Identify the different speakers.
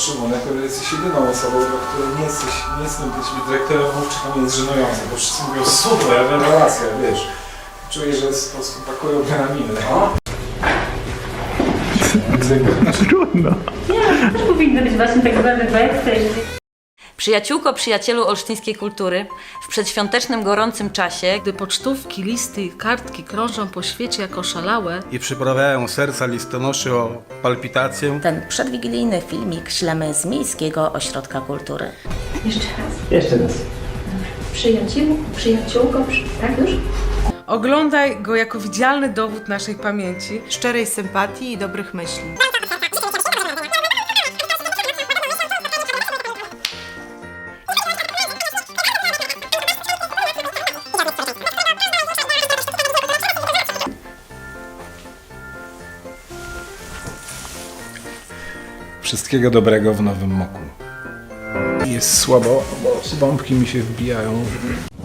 Speaker 1: Szymon, jako jesteś jedyną osobą, dla której nie jestem być dyrektorem mówczym, jest żenujące, bo wszyscy mówią super, rewelacja, wiesz. Czuję, że po prostu pakują mnie na minę.
Speaker 2: Trudno.
Speaker 3: Nie, też powinny być właśnie tak zwany backstage.
Speaker 4: Przyjaciółko, przyjacielu olsztyńskiej kultury, w przedświątecznym, gorącym czasie,
Speaker 5: Gdy pocztówki, listy i kartki krążą po świecie jak oszalałe,
Speaker 2: I przyprawiają serca listonoszy o palpitację.
Speaker 6: Ten przedwigilijny filmik ślemy z Miejskiego Ośrodka Kultury.
Speaker 3: Jeszcze raz. Przyjaciółko, tak już?
Speaker 5: oglądaj go jako widzialny dowód naszej pamięci.
Speaker 7: Szczerej sympatii i dobrych myśli.
Speaker 1: Wszystkiego dobrego w nowym moku. Jest słabo, bo bombki mi się wbijają.